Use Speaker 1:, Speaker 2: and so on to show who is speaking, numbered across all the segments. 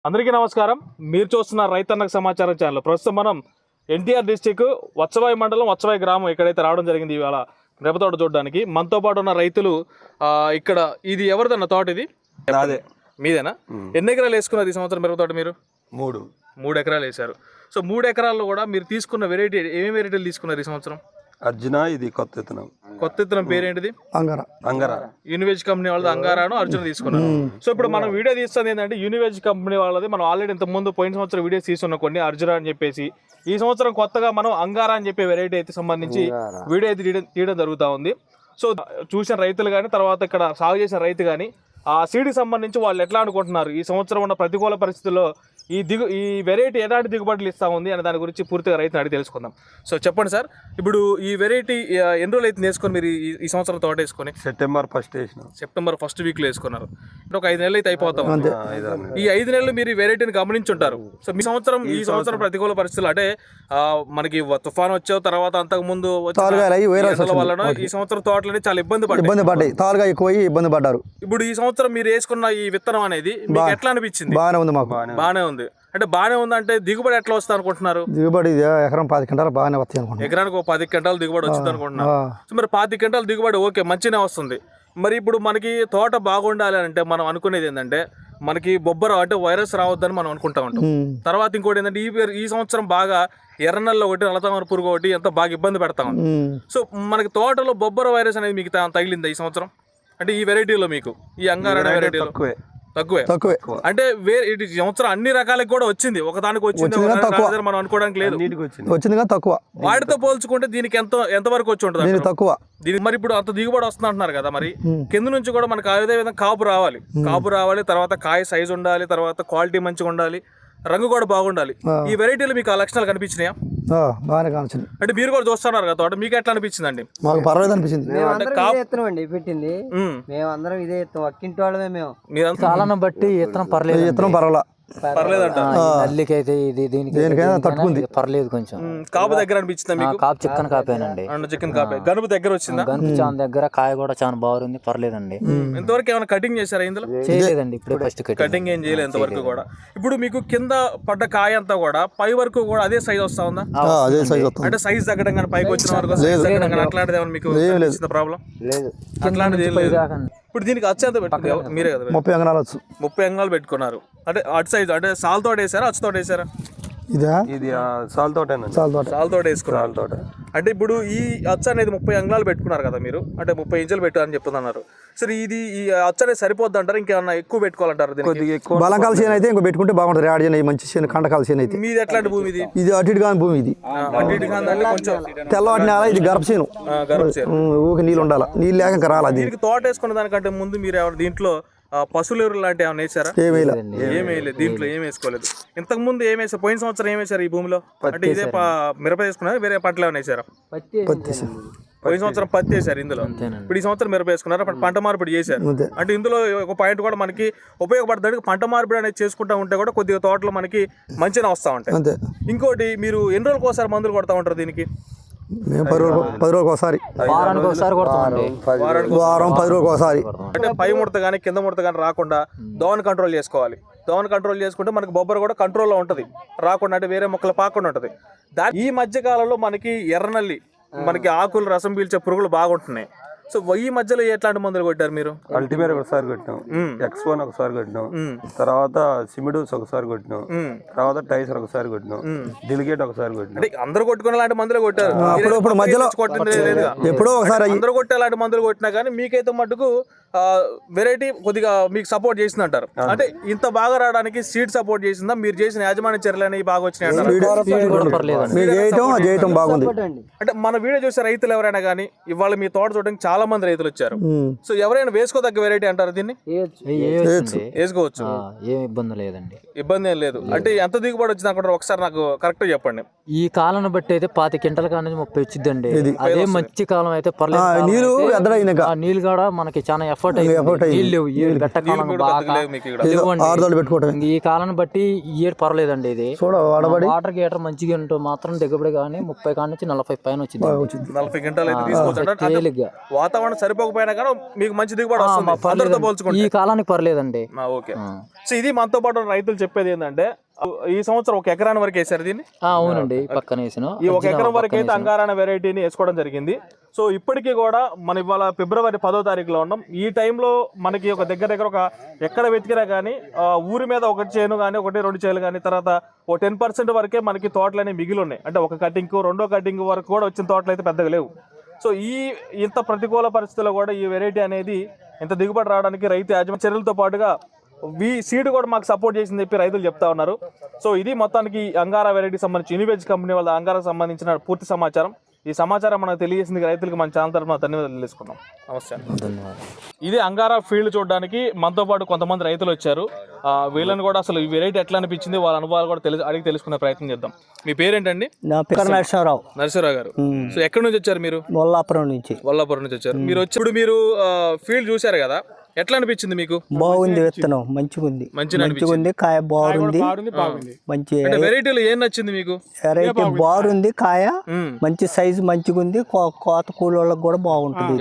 Speaker 1: అందరికీ నమస్కారం. మీరు చూస్తున్న రైతన్నకు సమాచారం ఛానల్. ప్రస్తుతం మనం ఎన్టీఆర్ డిస్టిక్ వత్సవాయి మండలం వత్సవాయి గ్రామం ఇక్కడైతే రావడం జరిగింది ఇవాళ మిరప తోట చూడడానికి. మనతో పాటు ఉన్న రైతులు ఇక్కడ ఇది ఎవరిదన్న తోట? ఇది మీదేనా? ఎన్ని ఎకరాలు వేసుకున్నారు ఈ సంవత్సరం మిరప తోట? మీరు మూడు ఎకరాలు వేశారు. సో 3 ఎకరాల్లో కూడా మీరు తీసుకున్న వెరైటీ ఏమేమి వెరైటీలు తీసుకున్నారు ఈ సంవత్సరం?
Speaker 2: అర్జున, ఇది కొత్త విత్తనం.
Speaker 1: కొత్త విత్తనం పేరేంటిది?
Speaker 2: అంగారా.
Speaker 1: యూనివేజ్ కంపెనీ వాళ్ళది అంగారాను అర్జున తీసుకున్నారు. సో ఇప్పుడు మనం వీడియో తీస్తుంది ఏంటంటే యూనివేజ్ కంపెనీ వాళ్ళది. మనం ఆల్రెడీ ఇంత ముందు పోయిన సంవత్సరం వీడియోస్ తీసుకున్న కొన్ని అర్జున అని చెప్పేసి, ఈ సంవత్సరం కొత్తగా మనం అంగారా అని చెప్పే వెరైటీ అయితే సంబంధించి వీడియో అయితే తీయడం జరుగుతూ ఉంది. సో చూసిన రైతులు కానీ, తర్వాత ఇక్కడ సాగు చేసిన రైతు కానీ ఆ సీడ్కి సంబంధించి వాళ్ళు ఎట్లా అనుకుంటున్నారు, ఈ సంవత్సరం ఉన్న ప్రతికూల పరిస్థితుల్లో ఈ వెరైటీ ఎలాంటి దిగుబడులు ఇస్తా ఉంది అనే దాని గురించి పూర్తిగా రైతుని అడిగి తెలుసుకుందాం. సో చెప్పండి సార్, ఇప్పుడు ఈ వెరైటీ ఎన్ని రోజులు అయితే వేసుకొని మీరు ఈ సంవత్సరం తోట వేసుకొని?
Speaker 2: సెప్టెంబర్ 1st వేసిన.
Speaker 1: సెప్టెంబర్ 1st వీక్లో వేసుకున్నారు. ఒక 5 నెలలు అయితే అయిపోతాం. ఈ 5 నెలలు మీరు ఈ వెరైటీని గమనించుంటారు. సో ఈ సంవత్సరం ప్రతికూల పరిస్థితులు అంటే మనకి తుఫాన్ వచ్చే తర్వాత అంతకు ముందు వలన ఈ సంవత్సరం తోటలని చాలా ఇబ్బంది పడ్డాయి. తాలుగా ఎక్కువ ఇబ్బంది పడ్డారు. ఇప్పుడు ఈ సంవత్సరం మీరు వేసుకున్న ఈ విత్తనం అనేది మీకు ఎట్లా అనిపించింది? బాగానే ఉంది. అంటే బాగానే ఉందంటే దిగుబడి ఎట్లా వస్తుంది అనుకుంటున్నారు?
Speaker 3: దిగుబడి ఎకరం 10 క్వింటాలు బాగానే వస్తాయి అనుకుంటున్నాను.
Speaker 1: ఎకరానికి 10 క్వింటాలు దిగుబడి వచ్చింది అనుకుంటున్నారు. సో మరి 10 క్వింటాలు దిగుబడి ఓకే, మంచిగానే వస్తుంది. మరి ఇప్పుడు మనకి తోట బాగుండాలి అంటే మనం అనుకునేది ఏంటంటే, మనకి బొబ్బర అంటే వైరస్ రావద్దని మనం అనుకుంటా ఉంటాం. తర్వాత ఇంకోటి ఏంటంటే ఈ సంవత్సరం బాగా ఎర్రనల్లో ఒకటి, నల్లతామర పురుగు ఒకటి ఎంత బాగా ఇబ్బంది పెడతా ఉంది. సో మనకి తోటలో బొబ్బర వైరస్ అనేది మీకు తగిలిందా ఈ సంవత్సరం? అంటే ఈ వెరైటీలో మీకు ఈ అంగారా వెరైటీలో తక్కువే. అంటే ఈ సంవత్సరం అన్ని రకాలకు కూడా వచ్చింది, ఒకదానికి వచ్చింది మనం అనుకోవడానికి లేదు,
Speaker 3: వచ్చింది కానీ తక్కువ.
Speaker 1: వాటితో పోల్చుకుంటే దీనికి ఎంత వరకు వచ్చి ఉంటుంది?
Speaker 3: తక్కువ.
Speaker 1: దీనికి మరి ఇప్పుడు అంత దిగుబడి వస్తుంది అంటున్నారు కదా, మరి కింద నుంచి కూడా మనకు అదే విధంగా కాపు రావాలి, తర్వాత కాయ సైజు ఉండాలి, తర్వాత క్వాలిటీ మంచిగా ఉండాలి, రంగు కూడా బాగుండాలి. ఈ వెరైటీలో మీకు ఆ లక్షణాలు కనిపించినాయా?
Speaker 3: బాగానే కనిపించింది. అంటే
Speaker 1: మీరు కూడా చూస్తున్నారు కదా తోట, మీకు ఎట్లా అనిపించింది అండి?
Speaker 3: మాకు పర్వాలేదు అనిపించింది.
Speaker 4: పెట్టింది మేమందరం ఇదే ఇస్తాం, అక్కింటి వాళ్ళమే మేము.
Speaker 3: కాలం బట్టి ఇత్తనం పర్వాలేదు.
Speaker 4: నల్లికైతే ఇది
Speaker 3: దేనికైనా తట్టుకుంది,
Speaker 4: పర్లేదు. కొంచెం
Speaker 1: కాపు దగ్గర అనిపించింది మీకు?
Speaker 4: కాపు చిక్కన కాపేనండి.
Speaker 1: చికెన్ కాపే. గనుపు దగ్గర వచ్చిందా?
Speaker 4: గనుపు చాలా దగ్గర, కాయ కూడా చాలా బాగుంది, పర్లేదండి.
Speaker 1: ఇంతవరకు ఏమైనా కటింగ్ చేశారా ఇందులో?
Speaker 4: చేయలేదండి, ఇప్పుడు ఫస్ట్
Speaker 1: కటింగ్ ఏం చేయలేదు ఇంతవరకు కూడా. ఇప్పుడు మీకు కింద పడ్డ కాయ అంతా కూడా పై వరకు కూడా అదే సైజ్ వస్తా ఉందా? అంటే సైజ్ తగ్గడం కానీ, పైకి వచ్చిన వరకు అట్లాంటిది ఏమైనా మీకు ప్రాబ్లం
Speaker 4: లేదు?
Speaker 1: అట్లాంటిది లేదు. ఇప్పుడు దీనికి అచ్చంత పెట్టుకున్నారు మీరే కదా?
Speaker 3: 30 అంగనాలు
Speaker 1: 30 అంగనాలు పెట్టుకున్నారు. అంటే అటు సైజ్ అంటే సాల్ తోట వేసారా, అచ్చుతోట వేసారా?
Speaker 2: ఇది సాల్ తోట
Speaker 1: వేసుకున్నారు. అంటే ఇప్పుడు ఈ అచ్చ అనేది 30 అంగళాలు పెట్టుకున్నారు కదా మీరు, అంటే 30 ఇంచులు పెట్టారని చెప్తున్నారు. సరే, ఇది ఈ అచ్చ అనేది సరిపోద్ది అంటారు, ఇంకేమన్నా ఎక్కువ పెట్టుకోవాలంటారు?
Speaker 3: బలంకాల చేను అయితే ఇంకో పెట్టుకుంటే బాగుంటుంది. యాడ్ చేయని మంచి చేను, కండకాల చేను అయితే.
Speaker 1: మీది ఎట్లాంటి భూమి ఇది?
Speaker 3: ఇది అటు ఇటు కాని భూమి. ఇది తెల్లవాటి నేల, ఇది గర్భ చేను. ఊరికి నీళ్ళు ఉండాలి, నీళ్ళు లేక ఇంకా రాలి.
Speaker 1: దీనికి తోట వేసుకున్న దానికంటే ముందు మీరు ఎవరు దీంట్లో పశువుల ఎరువులు లాంటి ఏమైనా వేసారా? ఏమేయలేదు. దీంట్లో ఏం వేసుకోలేదు. ఇంతకు ముందు ఏం వేసారు? పోయిన సంవత్సరం ఏం వేసారు ఈ భూమిలో? అంటే ఇదే మిరప వేసుకున్నారు, వేరే పంటలు ఏమైనా వేసారా? పోయిన సంవత్సరం పత్తి వేసారు ఇందులో, ఇప్పుడు ఈ సంవత్సరం మిరప వేసుకున్నారు, పంట మార్పిడి చేశారు. అంటే ఇందులో ఒక పాయింట్ కూడా మనకి ఉపయోగపడుతుంది. పంట మార్పిడి అనేది చేసుకుంటా ఉంటే కూడా కొద్దిగా తోటలో మనకి మంచిగా వస్తూ ఉంటాయి. ఇంకోటి, మీరు ఎన్ని రోజులకు ఒకసారి మందులు కొడతా ఉంటారు దీనికి?
Speaker 3: మేము 10 రోజులకు ఒకసారి, వారం 10 రోజులకు ఒకసారి.
Speaker 1: అంటే పై ముడత కానీ కింద ముడత కానీ రాకుండా దోమని కంట్రోల్ చేసుకోవాలి. దోమని కంట్రోల్ చేసుకుంటే మనకి బొబ్బర కూడా కంట్రోల్లో ఉంటుంది, రాకుండా అంటే వేరే మొక్కలు పాకుండా ఉంటుంది. ఈ మధ్య కాలంలో మనకి ఎర్రనల్లి, మనకి ఆకులు రసం పీల్చే పురుగులు బాగుంటున్నాయి. సో ఈ మధ్యలో ఎట్లాంటి మందులు కొట్టారు మీరు?
Speaker 2: అల్టిమేర్ ఒకసారి కొట్టినాం, X1 ఒకసారి కొట్టినాం, తర్వాత సిమిడోస్ ఒకసారి కొట్టినాం, తర్వాత టైసర్ ఒకసారి కొట్టినాం, డెలిగేట్ ఒకసారి కొట్టినాం.
Speaker 1: అంటే అందరూ కొట్టుకునే లాంటి మందులు కొట్టారు.
Speaker 3: మధ్యలో ఎప్పుడో ఒకసారి
Speaker 1: అందరూ కొట్టే లాంటి మందులు కొట్టినా కానీ మీకైతే మటుకు వెరైటీ కొద్దిగా మీకు సపోర్ట్ చేసింది అంటారు. అంటే ఇంత బాగా రావడానికి సీడ్ సపోర్ట్ చేసిందా, మీరు చేసిన యాజమాన్య చర్యలు అనేవి బాగా వచ్చినాయి అంటారు? అంటే మన వీడియో చూసే రైతులు ఎవరైనా కానీ ఇవాళ మీ తోట చూడడానికి చాలా మంది రైతులు వచ్చారు. సో ఎవరైనా వేసుకోదగ్గ వెరైటీ అంటారు దీన్ని? వేసుకోవచ్చు,
Speaker 4: ఏం ఇబ్బంది లేదండి.
Speaker 1: ఇబ్బంది ఏం లేదు. అంటే ఎంత దిగుబడి వచ్చింది అనుకుంటారు? ఒకసారి నాకు కరెక్ట్ చెప్పండి.
Speaker 4: ఈ కాలం బట్టి అయితే 10 క్వింటాల కానీ 30 వచ్చిందండి. అదే మంచి కాలం అయితే పర్లేదు. నీళ్ళు కూడా మనకి చాలా
Speaker 5: ఎఫర్ట్ నీళ్ళు లేవు ఈ పెట్టకాలం బాగా
Speaker 1: మీకు ఇక్కడ
Speaker 5: లేవండి.
Speaker 3: ఆరుదోళ్ళు పెట్టుకోవటం
Speaker 5: ఇంక ఈ కాలాన్ని బట్టి ఈ ఇయర్ పర్వాలేదండి. ఇది
Speaker 3: చూడ వాడబడి
Speaker 5: వాటర్ గీటర్ మంచిగా ఉంటూ మాత్రం దిగుబడి కానీ 30 కాడ నుంచి 40 పైన వచ్చింది
Speaker 1: 40 గంటలు అయితే తీసుకోవచ్చు అంటే
Speaker 5: తేలిగ్గా.
Speaker 1: వాతావరణం సరిపోకపోయినా కానీ మీకు మంచి దిగుబడి వస్తుంది అందరితో పోల్చుకుంటే.
Speaker 5: ఈ కాలానికి పర్లేదండి.
Speaker 1: ఓకే. సో ఇది మనతో పాటు రైతులు చెప్పేది ఏంటంటే ఈ సంవత్సరం 1 ఎకరాని వరకు వేసారు దీన్ని.
Speaker 5: అవునండి పక్కన వేసిన
Speaker 1: ఈ 1 ఎకరం వరకు అయితే అంగారాన వెరైటీని వేసుకోవడం జరిగింది. సో ఇప్పటికీ కూడా మనం ఇవాళ ఫిబ్రవరి 10వ తారీఖులో ఉన్నాం. ఈ టైంలో మనకి ఒక దగ్గర ఒక ఎక్కడ వెతికినా కానీ ఊరి మీద ఒకటి చేను కానీ 1-2 చేలు కానీ తర్వాత ఓ 10% వరకే మనకి తోటలు అనేవి మిగిలి ఉన్నాయి. అంటే ఒక కటింగ్ 2వ కటింగ్ వరకు కూడా వచ్చిన తోటలు అయితే పెద్దగా లేవు. సో ఇంత ప్రతికూల పరిస్థితుల్లో కూడా ఈ వెరైటీ అనేది ఇంత దిగుబడి రావడానికి రైతు యాజమాన్య చర్యలతో పాటుగా సీడ్ కూడా మాకు సపోర్ట్ చేసింది చెప్పి రైతులు చెప్తా ఉన్నారు. సో ఇది మొత్తానికి అంగారా వెరైటీకి సంబంధించి యూనివేజ్ కంపెనీ వాళ్ళ అంగారాకు సంబంధించిన పూర్తి సమాచారం. ఈ సమాచారం మనకు తెలియజేసింది రైతులకు మన ఛానల్ తరఫున ధన్యవాదాలు తెలుసుకున్నాం. నమస్తే. ఇది అంగారా ఫీల్డ్ చూడడానికి మనతో పాటు కొంతమంది రైతులు వచ్చారు. వీళ్ళని కూడా అసలు ఈ వెరైటీ ఎట్లా అనిపించింది వాళ్ళ అనుభవాలు కూడా అడిగి తెలుసుకునే ప్రయత్నం చేద్దాం. మీ పేరేంటండి?
Speaker 4: నా పేరు నరసింహరావు.
Speaker 1: నరసింహరావు గారు. సో ఎక్కడి నుంచి వచ్చారు మీరు?
Speaker 4: వల్లాపురం నుంచి.
Speaker 1: వల్లాపురం నుంచి వచ్చారు. మీరు వచ్చినప్పుడు మీరు ఫీల్డ్ చూశారు కదా, ఎట్లా అనిపించింది మీకు?
Speaker 4: బాగుంది, విత్తనం మంచిగా ఉంది, కాయ బాగుంది, మంచి
Speaker 1: వెరైటీలో ఏం నచ్చింది మీకు?
Speaker 4: వెరైటీ బాగుంది, కాయ మంచి సైజు మంచిగా ఉంది, కోత కూలోళ్ళకి కూడా బాగుంటుంది.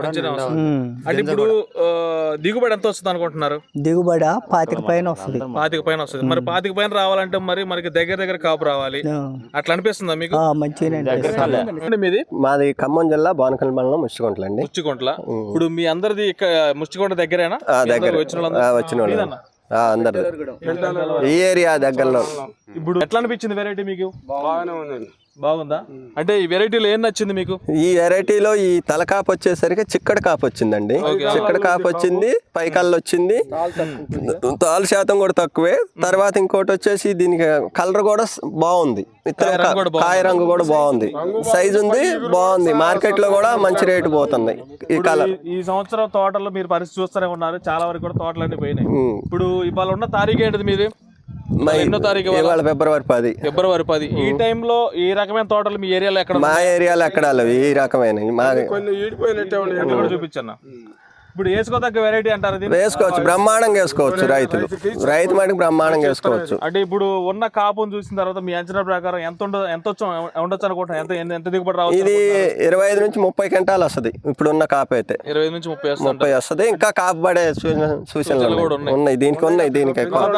Speaker 1: అంటే ఇప్పుడు దిగుబడి ఎంత వస్తుంది అనుకుంటున్నారు?
Speaker 4: దిగుబడి 25 పైన వస్తుంది.
Speaker 1: 25 పైన వస్తుంది. మరి 25 పైన రావాలంటే మరి మనకి దగ్గర కాపు రావాలి, అట్లా అనిపిస్తుందా మీకు?
Speaker 4: మంచిగా.
Speaker 1: మీది?
Speaker 2: మాది ఖమ్మం జిల్లా బానకల్ మండలం ముష్టికొంటల అండి.
Speaker 1: ముష్టికొంటల. ఇప్పుడు మీ అందరిది ముష్టికొంట దగ్గరేనా?
Speaker 2: వచ్చిన అందరు ఈ ఏరియా దగ్గరలో.
Speaker 1: ఇప్పుడు ఎట్లా అనిపించింది వెరైటీ మీకు? బాగుందా? అంటే ఈ వెరైటీలో ఏం నచ్చింది మీకు?
Speaker 2: ఈ వెరైటీలో ఈ తలకాపు వచ్చేసరికి చిక్కడి కాపు వచ్చిందండి. చిక్కడి కాపు వచ్చింది, పైకల్లు వచ్చింది, తాలు శాతం కూడా తక్కువే. తర్వాత ఇంకోటి వచ్చేసి దీనికి కలర్ కూడా బాగుంది, కాయ రంగు కూడా బాగుంది, సైజు ఉంది, బాగుంది. మార్కెట్ లో కూడా మంచి రేటు పోతుంది ఈ కలర్.
Speaker 1: ఈ సంవత్సరం తోటలో మీరు పరిస్థితి చూస్తూనే ఉన్నారు, చాలా వరకు కూడా తోటలన్నీ పోయినాయి. ఇప్పుడు ఇవాళ ఉన్న తారీఖు ఏంటిది మీది? ఎన్నో తారీఖు?
Speaker 2: ఫిబ్రవరి 10.
Speaker 1: ఫిబ్రవరి 10. ఈ టైంలో ఈ రకమైన తోటలు మీ ఏరియాలో ఎక్కడ?
Speaker 2: మా ఏరియాలో ఎక్కడ ఈ రకమైన
Speaker 1: చూపించన్నా. ఇప్పుడు వేసుకోదగ్గ వెరైటీ అంటారు?
Speaker 2: వేసుకోవచ్చు, బ్రహ్మాండంగా వేసుకోవచ్చు. రైతు మటుకు బ్రహ్మాండంగా వేసుకోవచ్చు.
Speaker 1: అంటే ఇప్పుడు ఉన్న కాపును చూసిన తర్వాత మీ అంచనా ప్రకారం ఎంత ఉండొచ్చు అనుకుంటున్నా? ఎంత దిగుబడి రావచ్చు?
Speaker 2: ఇది 25 నుంచి 30 క్వింటాలు వస్తుంది. ఇప్పుడు ఉన్న కాపు అయితే
Speaker 1: 20 నుంచి
Speaker 2: 30 వస్తుంది. ఇంకా కాపు పడే సూచనలు ఉన్నాయి దీనికి. దీనికి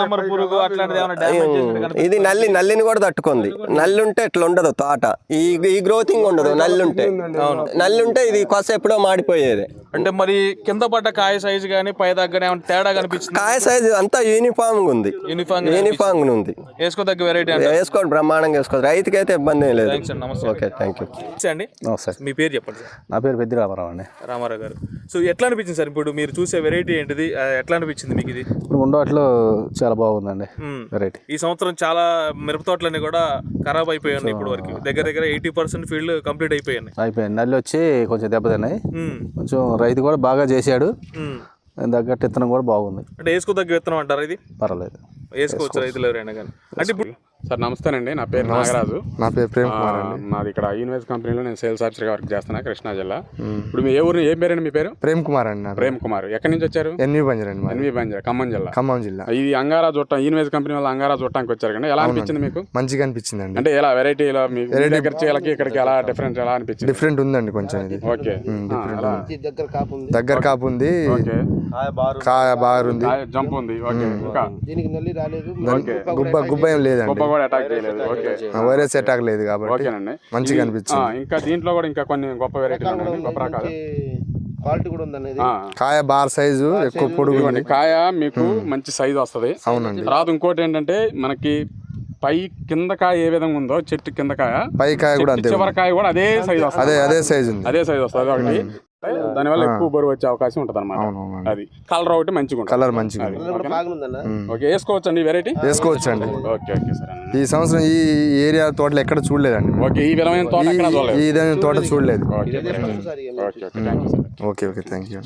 Speaker 2: ఇది నల్లిని కూడా తట్టుకుంది. నల్లి ఉంటే ఇట్లా ఉండదు తోట, ఈ గ్రోతింగ్ ఉండదు. నల్లి ఉంటే ఇది కొస ఎప్పుడో మాడిపోయేది.
Speaker 1: అంటే మరి కింద పడ్డ కాయ సైజు కానీ పై దగ్గర తేడా కనిపించింది?
Speaker 2: కాయ సైజు అంతా యూనిఫామ్ ఉంది.
Speaker 1: వేసుకోదగ్గ వెరైటీ
Speaker 2: వేసుకోండి, బ్రహ్మాండంగా వేసుకోవచ్చు. రైతుకి అయితే ఇబ్బంది లేదు. ఓకే, థ్యాంక్ యూ
Speaker 1: అండి. మీ పేరు చెప్పండి సార్.
Speaker 3: నా పేరు పెద్ది రామారావు అండి.
Speaker 1: రామారావు గారు. సో ఎట్లా అనిపించింది సార్ ఇప్పుడు మీరు చూసే వెరైటీ ఏంటిది? ఎట్లా అనిపించింది మీకు ఇది?
Speaker 3: ఇప్పుడు ఉండవాట్లో చాలా బాగుందండి వెరైటీ.
Speaker 1: ఈ సంవత్సరం చాలా మిరప తోటలన్నీ కూడా ఖరాబ్ అయిపోయి ఉన్నాయి. ఇప్పుడు వరకు దగ్గర 80% ఫీల్డ్ కంప్లీట్ అయిపోయింది.
Speaker 3: నల్లి వచ్చి కొంచెం దెబ్బతిన్నాయి. కొంచెం రైతు కూడా బాగా చేశాడు, తగ్గట్టు విత్తనం కూడా బాగుంది.
Speaker 1: అంటే వేసుకోదగ్గ విత్తనం అంటారు ఇది?
Speaker 3: పర్వాలేదు,
Speaker 1: వేసుకోవచ్చు రైతులు ఎవరైనా కానీ. అంటే ఇప్పుడు
Speaker 6: సార్ నమస్తేనండి, నా పేరు నాగరాజు.
Speaker 3: నా పేరు ప్రేమ్ కుమార్ అండి.
Speaker 6: మాది ఇక్కడ యూనివేజ్ కంపెనీలో నేను సేల్స్ ఆఫీసర్గా వర్క్ చేస్తున్నా, కృష్ణా జిల్లా. ఇప్పుడు మీ ఏ ఊరు, ఏం పేరండి మీ పేరు?
Speaker 3: ప్రేమ్ కుమార్ అండి.
Speaker 6: ప్రేమ్ కుమార్. ఎక్కడి నుంచి వచ్చారు?
Speaker 3: ఎన్వి బంజర్ అండి.
Speaker 6: ఎన్వి బంజర్, ఖమ్మం జిల్లా. ఇది అంగారా చూడటం, యూనివేజ్ కంపెనీ వల్ల అంగారా చూడటానికి వచ్చారు కండి. ఎలా అనిపించింది మీకు?
Speaker 3: మంచిగా అనిపించింది అండి.
Speaker 6: అంటే ఎలా వెరైటీలో ఇక్కడికి ఎలా డిఫరెంట్ ఎలా అనిపించింది?
Speaker 3: డిఫరెంట్ ఉందండి కొంచెం. ఇది
Speaker 6: ఓకే,
Speaker 3: దగ్గర కాపు ఉంది, కాయ బాగుంది,
Speaker 6: జంప్ ఉంది. ఓకే, ఇంకా
Speaker 3: గుబ్బ ఏం లేదండి,
Speaker 6: గుబ్బ కూడా అటాక్ చేయలేదు.
Speaker 3: వైరస్ అటాక్ లేదు కాబట్టి మంచిగా అనిపించింది.
Speaker 6: ఇంకా దీంట్లో కూడా ఇంకా కొన్ని గొప్ప వెరైటీలు ఉన్నాయి, గొప్ప రకాలు.
Speaker 4: క్వాలిటీ కూడా ఉంది.
Speaker 3: కాయ బార్ సైజు ఎక్కువ పొడుగు,
Speaker 6: కాయ మీకు మంచి సైజు వస్తుంది.
Speaker 3: అవునండి.
Speaker 6: తర్వాత ఇంకోటి ఏంటంటే మనకి పై కింద కాయ ఏ విధంగా ఉందో, చెట్టు కింద కాయ,
Speaker 3: పై కాయ కూడా అంతే,
Speaker 6: చివరి కాయ కూడా అదే సైజు వస్తుంది.
Speaker 3: అదే సైజు ఉంది,
Speaker 6: అదే సైజు వస్తుంది. ఒకటి దానివల్ల ఎక్కువ బరువు వచ్చే అవకాశం ఉంటుంది అనమాట. అది కలర్ ఒకటి మంచిగా ఉంటుంది.
Speaker 3: కలర్ మంచిగా.
Speaker 6: ఓకే, వేసుకోవచ్చు అండి వెరైటీ?
Speaker 3: వేసుకోవచ్చు అండి.
Speaker 6: Okay okay sir.
Speaker 3: ఈ సంవత్సరం ఈ ఏరియా తోటలు ఎక్కడ చూడలేదండి.
Speaker 6: ఓకే, ఈ విధమైన తోట ఎక్కడ చూడలేదు.
Speaker 3: ఈ విధమైన తోట చూడలేదు.
Speaker 6: Okay okay, thank you sir.
Speaker 3: Okay thank you.